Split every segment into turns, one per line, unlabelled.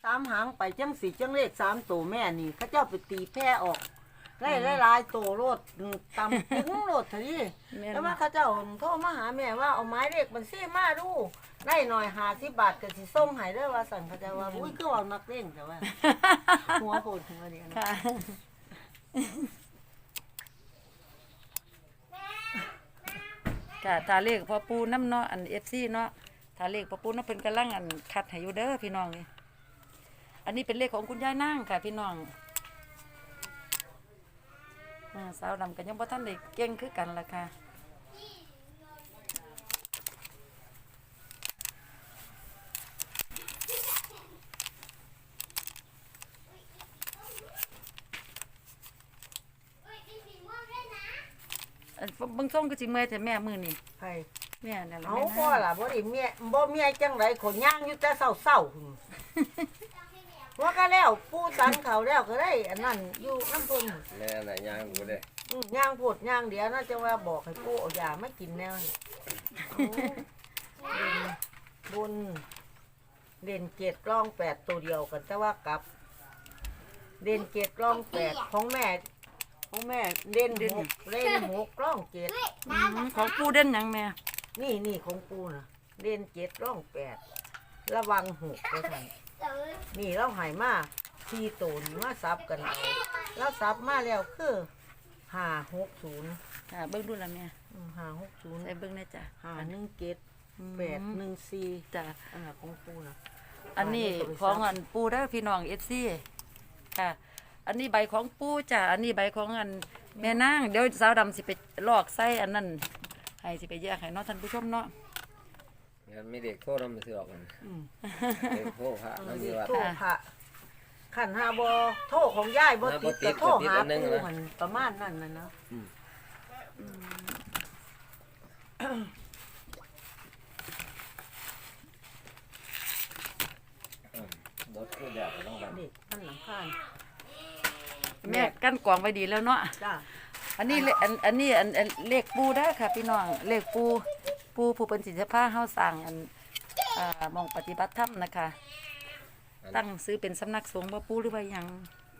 3หางไปจัง4จังเลข3ตัวแม่นี่เขาเจ้าไปตีแพร่ออกหลายๆตัวโลดตำถึงโลดทีนี้แล้วว่าเขาเจ้าโทรมาหาแม่ว่าเอาไม้เลขบัญชีมาดูได้หน่อย50 บาทก็สิส่งให้เด้อว่าสั่นเขาเจ้าว่าอุ้ยคือว่านักเล่นแต่ว่าหัวโหดหัวเดียวนะ
ค่ะค่ะทาเลขพ่อปูน้ำเนาะอัน FC เนาะทาเลขพ่อปูน้ำเพิ่นกำลังอันคัดให้อยู่เด้อพี่น้องนี่อันนี้เป็นเลขของคุณยายนางค่ะพี่น้องสาวดำกันยังบ่ทันได้เก่งคือกันล่ะค่ะเบิ่งส่งก็สิเมื่อยแต่แม่มื้อนี่
ไผ
แม่นั่นล่ะ
เอา
แม่
พ่อ
นะ
ล่ะบ่ได้เมียบ่เมียจังไดขนย่างอยู่แต่เช้าๆพุ่นว่าก็แล้วปูสันเขาแล้วก็ได้อันนั้นอยู่น้ำเพิ่น
แม่น่ะย่างกูเลย
ย่างโพดย่างเดี๋ยวน่าจะว่าบอกให้ปูเอายาไม่กินแนวนี่บนเด่น7ร่อง8ตัวเดียวกันแต่ว่ากลับ เด่น7ร่อง8ของแม่เด่น6เล่น6ร่อง7
ของปูเด่นหยังแม่
นี่ของปูน่ะเด่น7ร่อง8ระวัง6ด้วยกันนี่เราหายมาทีโตนมาซับกันเอาแล้วซับมาแล้วคือ560
ค่ะเบิ่งดูล่ะแม่
560
ใส่เบิ่งแน่จ้ะ
814
จ้ะ
อันนั้นของปูนะ
อันนี้ของอันปูเด้อพี่น้อง FC ค่ะ อันนี้ใบของปูจ้ะอันนี้ใบของอันแม่นางเดี๋ยวสาวดำสิไปลอกไส้อันนั้นให้สิไปแยกให้เนาะท่านผู้ชมเนาะ
งั้นไม่เด็กโทษน้ำมันสิออกกันเด็กโทษพระน้ำ
นี่
มีวัด
โทรพระขันหาบอโทรของยายบ่ติดก็โทรหาปูหันประมาณนั้นน่ะเนาะ
รถคือแดดต้องแบบ
นี่มันหลังคา
แม่กั้นกวางไว้ดีแล้วเนาะ
จ้า
อันนี้อันนี้อันเลขปูได้อค่ะพี่น้องเลขปูผู้เป็นศิลปะเฮาสร้างอันมองปฏิบัติธรรมนะคะตั้งซื้อเป็นสำนักสงฆ์บ่ปูหรือว่าหยัง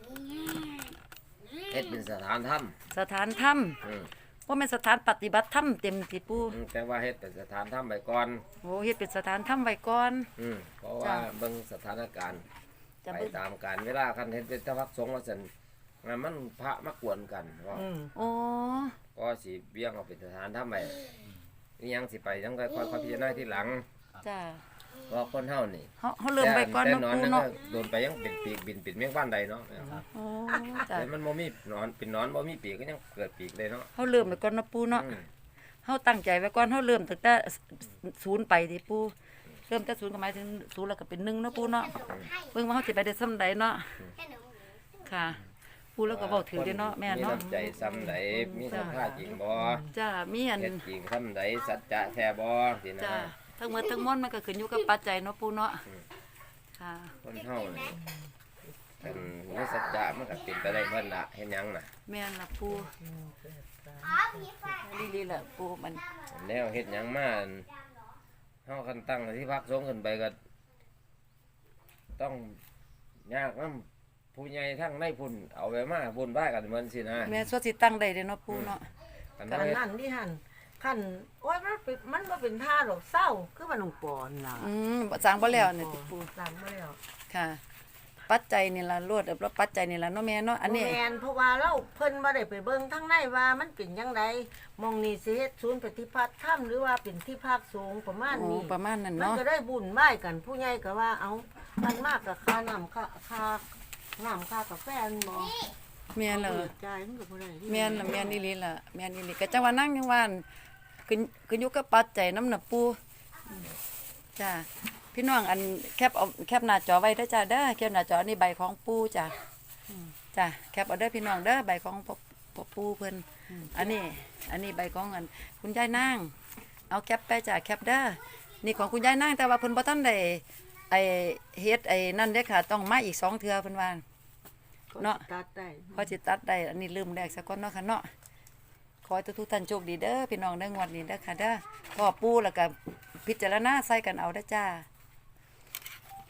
เฮ็ดเป็นสถานถ้
สถานธรรม
ำ
บ่แม่นสถานปฏิบัติธรรมเต็มที่ปู
แต่ว่าเฮ็ดเป็นสถานถ้ำไปก่อน
โอ้เฮ็ดเป็นสถานธรรมไว้ก่อน
เพราะว่าเบิ่งสถานการณ์
จะ
ไป
เบิ่ง
ตามการเวลาคันเฮ็ดเป็นทพักสงฆ์ว่าซั่นงั้นมันพระมากวนกัน
โอ้
ก็สิเบี้ยงเอาเป็นสถานถ้ำไปนี่ยังสิไปยังค่อยๆพิจารณาทีหลัง
จ้า
เพราะคนเฮานี่
เฮาเริ่มไว้ก่อน
แต่
เนาะ
นอน
ปู
นั่น
เนาะ
ก็โดนไปยังเป็นปีกบินเป็นเมียงบ้านใดเนาะ
โอ้จ้า
แต่มันบ่มีหนอนเป็นหนอนบ่มีปีกก็ยังเกิดปีกเลยเนาะ
เฮาเริ่มไว้ก่อนเนาะปูเนาะเฮาตั้งใจไว้ก่อนเฮาเริ่มตั้งแต่ศูนย์ไปติปูเริ่มแต่ศูนย์ก็หมายถึงศูนย์แล้วก็เป็น1เนาะปูเนาะเบิ่งว่าเฮาสิไปได้ส่ำใดเนาะค่ะปูแล้วก็เว้าถือได้เนาะแม่เนาะ
มีน้ำใจซ้ำใดมีสัมภาษณ์จริงบ่
จ้ามีอัน
เฮ็ดจริงซ้ำใดสัจจะแท้บ่สินะ
จ้าทั้งหมดทั้งมวลมันก็ขึ้นอยู่กับปัจจัยเนาะปูเนาะค่ะ
คนเฮานี่คันมีสัจจะมันก็เป็นไปได้เพิ่นล่ะเฮ็ดหยังน่ะ
แม่นล่ะปูลีๆล่ะปูมัน
แนวเฮ็ดหยังมาเฮาคันตั้งที่พักสงฆ์ขึ้นไปก็ต้องยากนำผู้ใหญ่ทั้งในพุ่นเอาไปมาพุ่นบ้ากันเหมือนสินะ
แม่สวดสิตั้งได้เด้เนาะปูเนาะ
คัน
กัน
เฮ็ด
นั่นที่หันขันโอ้ยมันบ่เป็นท่าหรอกเศร้าคือมันหนุ่งปอนล่ะ
สร้างบ่แล้วนี่ติปู
สร้างบ่แล้ว
ค่ะ ปัจจัยนี่ล่ะรวดแล้วปัจจัยนี่ล่ะเนาะแม่เนาะอันนี้
แม่นเพราะว่าเราเพิ่นบ่ได้ไปเบิ่งทางในว่ามันเป็นจังไดมองนี่สิเฮ็ดศูนย์ปฏิบัติธรรมหรือว่าเป็นที่พักสงฆ์ประมาณ
โอ้
นี้
ประมาณนั้น
มัน
เนาะ
ก็ได้บุญไหว้กันผู้ใหญ่ก็ว่าเอามันมากกับค่าน้ำค่าน้ำค่ากาแฟมันบ่
แม่นล่ะ
เปิดใจายมันก็บ่ได้
แม่นล่ะแม่นอีหลีล่ะแม่นอีหลีก็จังว่านั่งยังว่าขึ้นอยู่กับปัจจัยนำน่ะปูจ้าพี่น้องอันแคปหน้าจอไว้เด้อจ้าเด้อแคปหน้าจอนี่ใบของปูจ้าจ้าแคปเอาเด้อพี่น้องเด้อใบของพ่อปูเพิ่นอันนี้ใบของอันคุณยายนางเอาแคปไปจ้าแคปเด้อนี่ของคุณยายนางแต่ว่าเพิ่นบ่ทันได้ไอ้เฮ็ดไอ้นั่นเด้อค่ะต้องมาอีก2เทื่อเพิ่นว่าเนาะ
ตัดได้
พอสิตัดได้อันนี้ลืมแรกสักก่อนเนาะค่ะเนาะขอให้ทุกท่านโชคดีเด้อพี่น้องเด้องวดนี้เด้อค่ะเด้อพ่อปู่แล้วก็พิจารณาใส่กันเอาเด้อจ้า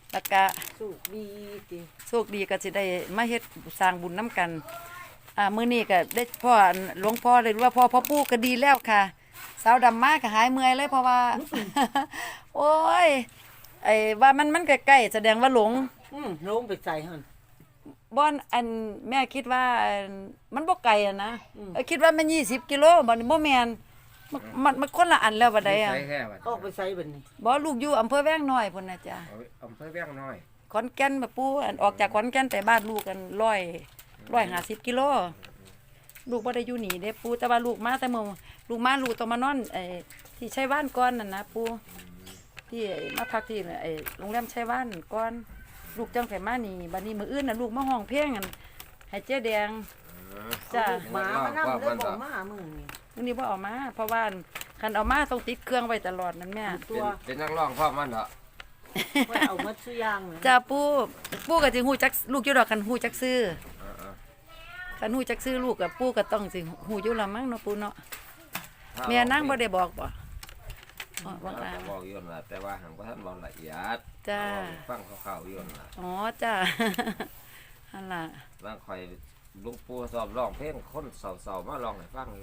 แล้วก็
สุขดีติ
โชคดีก็สิได้มาเฮ็ดสร้างบุญน้ำกันมื้อนี้ก็ได้พ่อหลวงพ่อเลยรู้ว่าพ่อปู่ก็ดีแล้วค่ะสาวดำมาก็หายเมื่อยเลยเพราะว่า โอ้ยไอ้ว่ามันใกล้ๆแสดงว่าหลง
ลงไปใส่หั่น
บ่อนอันแม่คิดว่ามันบ่ไกลอะนะคิดว่ามัน20กิโลบ่นี่บ่แม่นมันคนละอันแล้วบัดใดอะ
ใช้แค่ว่า
ออกไปใส่บัดนี้
บ่ลูกอยู่อำเภอแว้งน้อยพุ่นน่ะจ้ะ
อำเภอเวียงน้อย
ขอนแก่นมาปู่อันออกจากขอนแก่นไปบ้านลูกกัน150กิโลลูกบ่ได้อยู่นี่เด้ปู่แต่ว่าลูกมาแต่มื้อลูกต้องมานอนที่ชัยว่านก่อนนั่นนะปู่ที่มาพักที่โรงแรมชัยว่านก่อนลูกจังไผมานี่บัดนี้มื้ออื่นน่ะลูกมาห้องเพลงกันให้เจ๊แดงจ้ะ
หมามานํเลยบ่มามื้อนี้
มื้อนี้บ่เอามาเพราะว่าคันเอามาต้องติดเครื่องไว้ตลอดนั่นแม่
เป็นนักร้องพ่อมันเหรอ
ไว้เอามาซุอย่างนะ
จ้าปู่ก็สิฮู้จักลูกอยู่ดอกกันฮู้จักซื้อคันฮู้จักซื้อลูกกับปู่ก็ต้องสิฮู้อยู่ละมั้งเนาะปู่เนาะแม่นางบ่ได้บอกบ่อ๋อบอก
เรา
ลา
จะบอกอยู่นั่นล่ะแต่ว่าหังบ่ทันบอกละเอียด
จ้า
ฟังคร่าวๆอยู่นั่นล่ะ
อ๋อจ้า หั่นล่ะ
บางคอยลุงปู่สอบร้องเพลงคนเศร้าๆมาร้องให้ฟังอยู่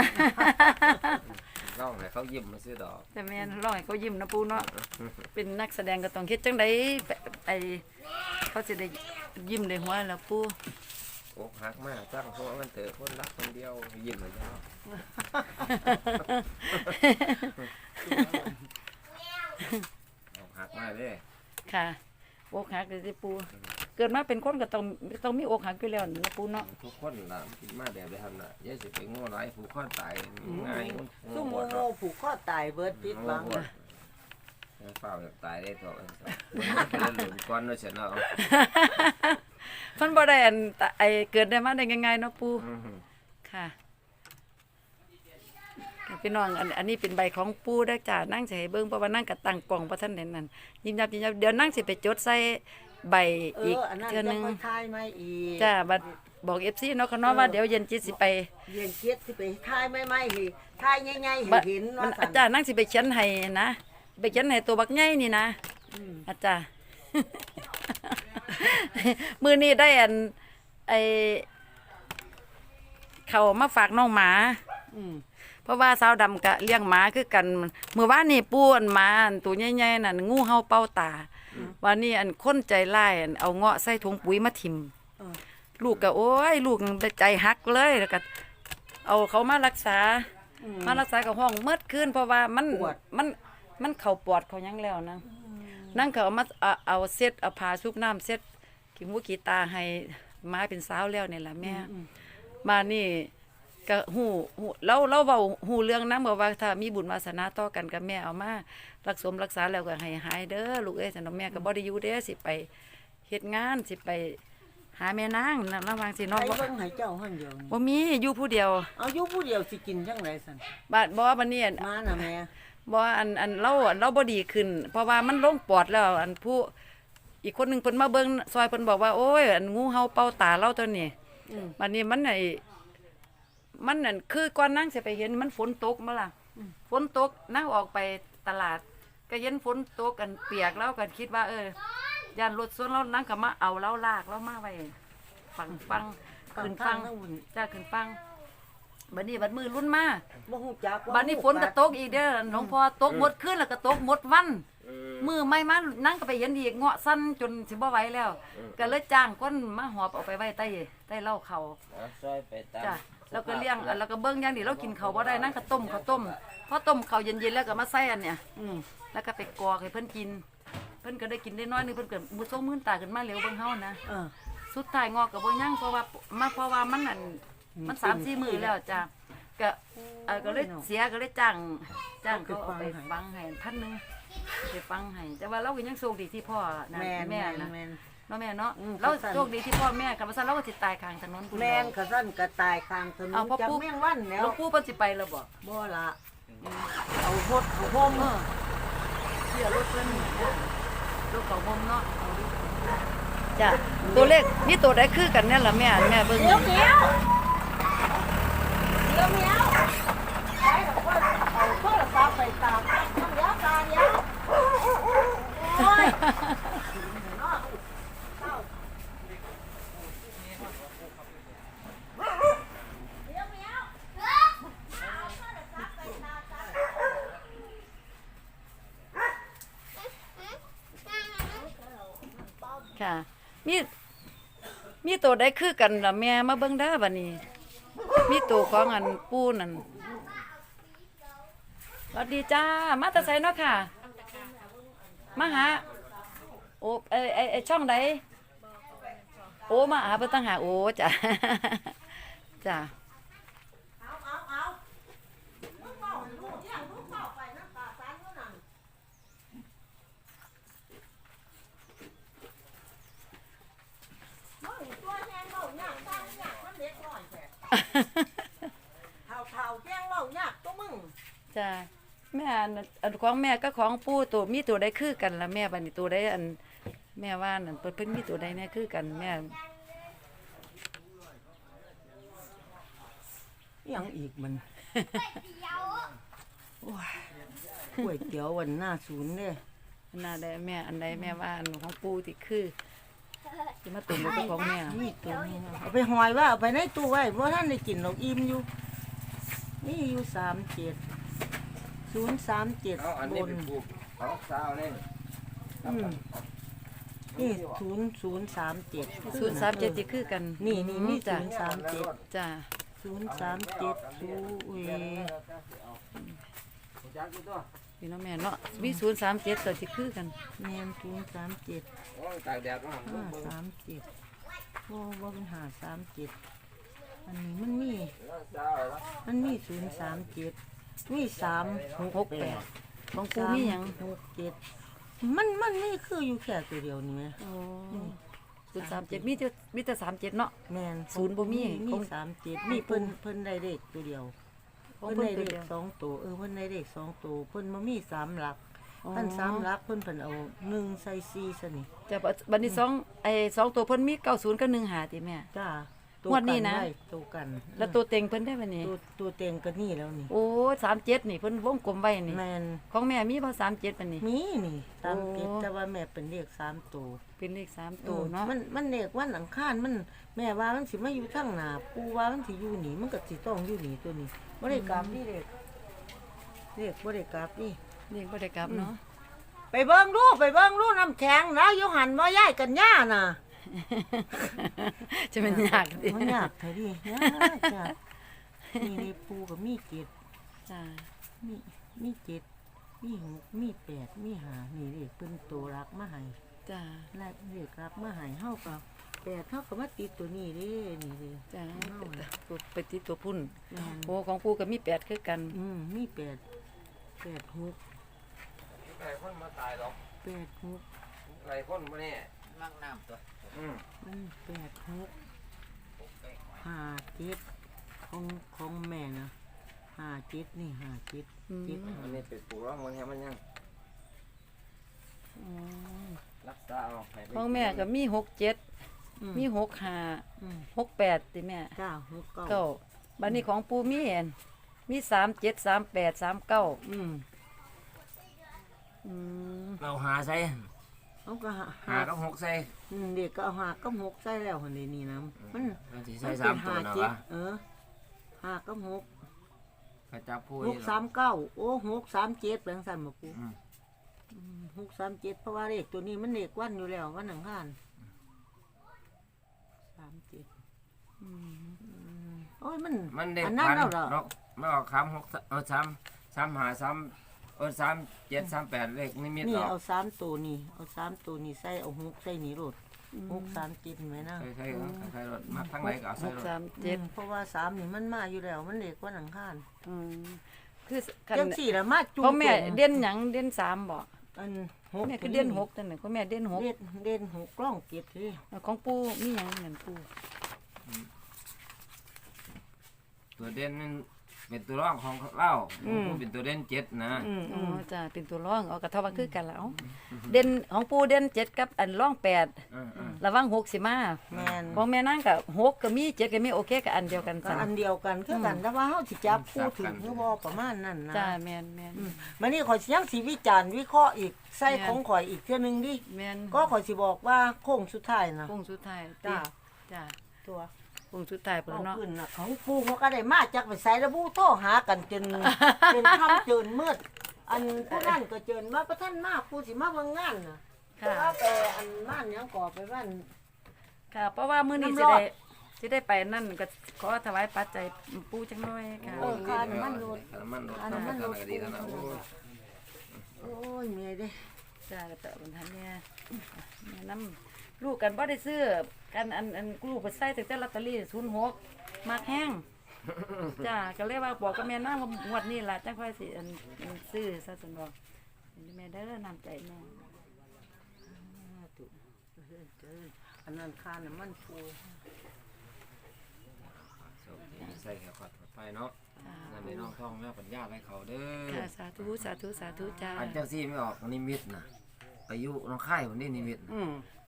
ร้องให้เขายิ้มมาซื้อดอก
แต่แม่นร้องให้เขายิ้มนะปู่เนาะเป็นนักแสดงก็ต้องเฮ็ดจังได๋เขาสิได้ยิ้มได้หัวแล้วปู่
อกหักมากตั้งเพราะว่ามันเถอะคนรักคนเดียวยิ้มเลยจ้าอกหักมากเลย
ค่ะอกหักเลยสิปู่เกิดมาเป็นคนก็ต้องมีอกหักอยู่แล้วนะปู่เนาะ
ทุกคนล่ะมาแบบได้ทันน่ะอย่าสิไปโง่หลายผู้ค้อนตายง่าย
ซุ่มโมผูกคอตายเบิดปิดหวัง
เฝ้าแบบตายได้ตัวเป็นหลุมก้อนด้วยเสียเนาะ
เพิ่นบ่ได้เกิดได้มาได้ง่ายๆเนาะปู่ค่ะพี่น้องอันนี้เป็นใบของปู่เด้อจ้านั่งสิให้เบิ่งเพราะว่านั่งก็ตั้งกล้องบ่ทันได้นั่นยิ้มยับเดี๋ยวนั่งสิไปจดใส่ใบอีก
อันนั้น
เทื่อ
จะ
นึง
ค่อยทายมาอีก
จ้าบัดบอก FC เนาะเขาเนาะว่าเดี๋ยวเย็นจิตสิไป
เรียนเกียรติสิไปทายไม่ๆให้ทายใหญ่ๆให้
บัด
เห็น
มั
ว่าน ซั่
อาน จารย์นั่งสิไปเขียนให้นะไปเขียนให้ตัวบักใหญ่นี่นะอาจารย์ มื้อนี้ได้เขามาฝากน้องหมา เพราะว่าสาวดำกะเลี้ยงหมาคือกันเมื่อวานนี่ปูหมาตัวใหญ่ๆนั่นงูเห่าเป่าตาวันนี้คนใจร้ายเอาเงาะใส่ถุงปุ๋ยมาทิ่มลูกก็โอ้ยลูกใจหักเลยแล้วก็เอาเขามารักษากับห้องเมื่อคืนเพราะว่ามันเข้าปอดเขายังแล้วนะนั่งเขาเอามาเอาเซ็ตเอาผ้าชุบน้ำเซ็ตขี้มูกขี้ตาให้หมาเป็นสาวแล้วนี่แหละแม่มานี่ก็หูเราเว้าหูเรื่องนำว่าถ้ามีบุญวาสนาต่อกันกับแม่เอามารักษาแล้วก็ให้หายเด้อลูกเอ้ยซั่นแม่ก็บ่ได้อยู่เด้สิไปเฮ็ดงานสิไปหาแม่นางนั่นระหว่างสิ
ไป
น้อง
เบิ่งให้เจ้าหั่นเดียวนี่
บ่มีอยู่ผู้เดียว
เอาอยู่ผู้เดียวสิกินจังไดซั่น
บาดบ่บัดนี้
มาน่ะแม่
บ่เราบ่ดีขึ้น เพราะว่ามันลงปอดแล้วผู้อีกคนหนึงเพิ่นมาเบิ่งซอยเพิ่นบอกว่าโอ้ยงูเห่าเป่าตาเราตัวนี้บัดนี้มันนั่นคือก่อนนั่งสิไปเห็นมันฝนตกมาล่ะฝนตกนั่งออกไปตลาด ก็เห็นฝนตกกันเปียกแล้วก็คิดว่าย่านรถส่วนเรานั่งก็มาเอาเราลากเรามาไว้ฟังขึ้นฟังจ้าขึ้นฟังบัดนี้บัดมือรุ่นมา
บ่ฮู้จัก
บัดนี้ฝนก็ตกอีกเด้อหลวงพ่อตกหมดคืนแล้วก็ตกหมดวันมือไม่มานั่งก็ไปเห็นอีกเงาะสั้นจนสิบ่ไหวแล้ว ก็เลยจ้างคนมาหอบเอาไปไว้ใต้เหล้าเขา
ซอยไปตาม
จ้ะแล้วก็เลี้ยงแล้วก็เบิ่งอย่างดีเรากินข้าวบ่ได้นั่งก็ต้มข้าวต้มพอต้มข้าวเย็นๆแล้วก็มาใส่อันเนี่ยแล้วก็ไปกอกให้เพิ่นกิน เพิ่นก็ได้กินได้น้อยนึงเพิ่นก็มือโซมื้นตาขึ้นมาเร็วเบิ่งเฮานะสุดท้ายงอกก็บ่ยังเพราะว่ามัน 3-4 มื้อแล้วจ้ะก็เลยเสียก็เลยจ้างเขาเอาไปฟังให้1,000นึงไปฟังให้แต่ว่าเราก็ยังโชคดีที่พ่อนะแม่นะเนาะแม่เนาะเราโชคดีที่พ่อแม่คันว่าซั่นเราก็สิตายข้างถนนพุ่น
แม่นก็ซั่นก็ตายข้างถนนจักแม่งวันแล้ว
หลวงปู่เพิ่นสิไปแล้วบ่
บ่ล่ะเอาพดเอาห่ม
เสียรถเพิ่นรถของผมเนาะจ้ะตัวเลขมีตัวใดคือกันเนี่ยล่ะแม่เบิ่ง
เดี๋ยวไปแล้วก็เอาโทรศัพท์ไปตามน้ำยาตาเดียวโอ้ย
ค่ะ มีตัวใดคือกันล่ะแม่มาเบิ่งเด้อบัดนี้ มีตัวของอันปูนั่นสวัสดีจ้ามาแต่ไสเนาะค่ะมาหาโอ้ไอช่องใดโอ้มาหาเพิ่นตั้งหาโอ้จ้ะ จ้ะ
เอามึงเมาให้ลูกเที่ยงลูกเมาไปน้ำตาสารอยู่นั่นมึงตัวแห้งเมาหยากตายหยากมันเล็กน้อยแท้เท่าแห้งเมาหยากตัวมึง
จ้ะแม่อันของแม่ก็ของปู่ตัวมีตัวใดคือกันล่ะแม่บัดนี้ตัวใดอันแม่ว่านั่นเพิ่นมีตัวใดแน่คือกันแม่
ยังอีกมันโอ้ยก๋วยเตี๋ยววันหน้าศูนย์เนี่ย
อันน่าได้แม่อันใดแม่ว่าอันของปู่ที่คือสิมาตุ่มกับของแม่
นี่ตัวนี้นะเอาไปหอยว่าเอาไปในตู้ไว้เพราะท่านได้กินหรอกอิ่มอยู่นี่อยู่037
เอาอัน
บ
นี้
น
เป็นปลูกเอาสาวเลย
นี่0037
037ที่คือกัน
นี่มี
จ้ะ
037
จ้ะ
037สูเว
จักอยู่ตัว
พี่น้องแม่เนาะมี037ตัวที่คือกัน
แมน037
โอ้ยตากแดดเนาะ
537บ่เป็น537อันนี้มันมี
สาวแล้ว
037มี368
ของปู่มีหยัง
67มันนี่คืออยู่แค่ตัวเดียวนี่ไหม
โอ้037มีแต่37เนาะ
แมน
ศูนย์บ่มี
มี37มีเพิ่นได้เลขตัวเดียว
ของ
เพิ่น
เพิ่น
ได้
ตัว
เล
เดี
ข
ยว
2ตัวเพิ่นได้เลข2ตัวเพิ่นบ่มี3หลัก
อ๋อ
ท่าน3หลักเพิ่นเอา1ใส่4ซะนี่
จ้ะบัดนี้สองตัวเพิ่นมี90กับ15ติแม่
จ้า
งวดนี้นะ
ไว้ตัวกัน
แล้วตัวเต็งเพิ่นได้บัดนี้
ตัวเต็งก็นี่แล้วนี่
โอ้37นี่เพิ่นวงกลมไว้นี่
แมน
ของแม่มีบ่37บัดนี้
มีนี่ตามเก็บ
โอ้
แต่ว่าแม่เป็นเลข3ตัว
เป็นเลข3ตัวเนาะ
มันเลขวันอังคารมันแม่ว่ามันสิมาอยู่ทางหน้าปู่ว่ามันสิอยู่นี่มันก็สิต้องอยู่นี่ตัวนี้บ่ได้กลับนี่เลขบ่ได้กลับนี่
เลขบ่ได้กลับเนาะ
ไปเบิ่งดูน้ำแข็งนะอยู่หันบ่ย้ายกันย่าน่ะ
จะเป็นยากดิ
มันยากเท่าดิยากจ้ะนี่เลขปู่ก็มีเจ็ด
จ้า
มีเจ็ดมีหกมีแปดมีห้านี่เลขเพิ่นตัวรักมาให้
จ้า
และเลขรักมาให้เฮาก็แปดเฮาก็มาติดตัวนี้เด้นี่เด้
จ้า
เอาล่ะ
ตัวไปที่ตัวพุ่น
แม่น
โอ้ของปู่ก็มี8คือกัน
มีแปดหก
หลายคนมาตายหรอก
แปดหก
หลายคนมาเนี่ย
มั่งน้ำตัว
มันแปดหกห้าเจ็ดของแม่นะห้าเจ็ดนี่ห้าเจ็ดเจ็ด
อันนี้เป็นปลูกร้องมันแค่มันยัง
อ๋อ
รักษาเอาให้ไป
ของแม่ก็มี67มี65 68ติแม่
เก้าหกเก้า
เก้าบัดนี้ของปู่มีอันมี37 38 39
อืม
อืม
เราหาใส่
เขาก็หา
หากับหกใส่
เด็กก็เอาหาก็หกใส่แล้วคนนี้นะมัน
เราสิ
มั
ใส่
น
สามตัวนะ
เจ็ด
วะ
ห้าก็หก
กระจับผู้
ห
นี่
ก
หรอ
39โอ้637แปลงสันมาปู
อืม
637เพราะว่าเลขตัวนี้มันเลขวันอยู่แล้ววันอังคาร37โอ้ยมัน
มันเด็ก
อันนั้น
พัน
แล้วเหรอ
เนาะไม่ออกคำหก3 หา3 7 3 8เลขนิมิต
นี่
ออก
เอา3ตัวนี่เอา3ตัวนี่ใส่เอา6ใส่นี่โลด637ไหมนะ
ใครรถมาทั้งไหนก็เอาใส่รถ
637
เพราะว่า3นี่มันมาอยู่แล้วมันเลขวันอังคาร
อืมคือคัน
จังสี่ละมาจุ่
ของแม่เด่นหยังเด่น3บ่
อันหก
แม่คือเด่น6จังได๋ของแม่เด่น6
เด่นหกกล้องเก็บเลย
ของปู่มีหยังเหมือนปู่
ตัวเด่นนั่นเป็นตัวร่องของเล่าผู้เป็นตัวเด่น7นะ
อ๋อจ้ะเป็นตัวรองเอากระทบว่าคือกันแล้วเด่นของปู่เด่น7กับอันรอง8ระวัง6สิมา
แมน
ของแม่นางก็6ก็มี7ก็มีโอเคก็อันเดียวกัน
ก็
ซั่น
อันเดียวกันคือกันแต่ว่าเฮาสิจับคู่ถึงคือบ่ประมาณนั้นนะ
จ้าแม่น
มันนี่ข่อยสิยังสิวิจารณ์วิเคราะห์อีกใส่ของข่อยอีกเทื่อนึงดิ
แม่น
ก็ข่อยสิบอกว่าโค้งสุดท้ายนะ
โค้งสุดท้าย
จ้า
จ้า
ตัว
โค้งสุดท้ายพุ่น
เอา
เนาะ
ขึ้นน่ะของปู่เขาก็ได้มาจากไปใส่ระบุโทรหากันจน จนค่ำจนมืดอันผู้นั้นก็เจินว่าพระท่านมาผู้สิมาเบิ่งงานน่ะ
ค่ะ
ว่าไปอันบ้านหยังก่อไปบ้าน
ค่ะ เพราะว่ามื้อนี้
น้ำร
สิ
อด
ได้ไปนั่นก็ขอถวายปัจจัยปู่จังน้อยค่ะ
ค่าน้ำมันรถ
ค่าน้ำมันรถ
ค่าน้ำมันรถ
ก็ดีแล้วนะโอ้ย
โอ้ยเมียเด้
จ้าก็แต่บนทันเนี่ยแม่น้ำลูกกันบ่ได้ซื้อกันอันลูกไปใส่ตั้งแต่ลอตเตอรี่06มักแห้งจ้าก็เลยว่าบอกกับแม่นางว่างวดนี้ล่ะจังค่อยสิอันซื้อซะซั่นบ่แม่เด้อน้ำใจแม่
อันนั้นค่าน้ำมันปู
โชคดีใส่แขวขอดไปเนาะนั่นในน้องท่องแม่ปัญญาให้เขาเด้อ
ค่ะสาธุสาธุสาธุจ้า
อันเจ้าซี่ไม่ออกนิมิตนะไปอยู่น้องค่ายวันนี้นิมิตน่ะ
อืม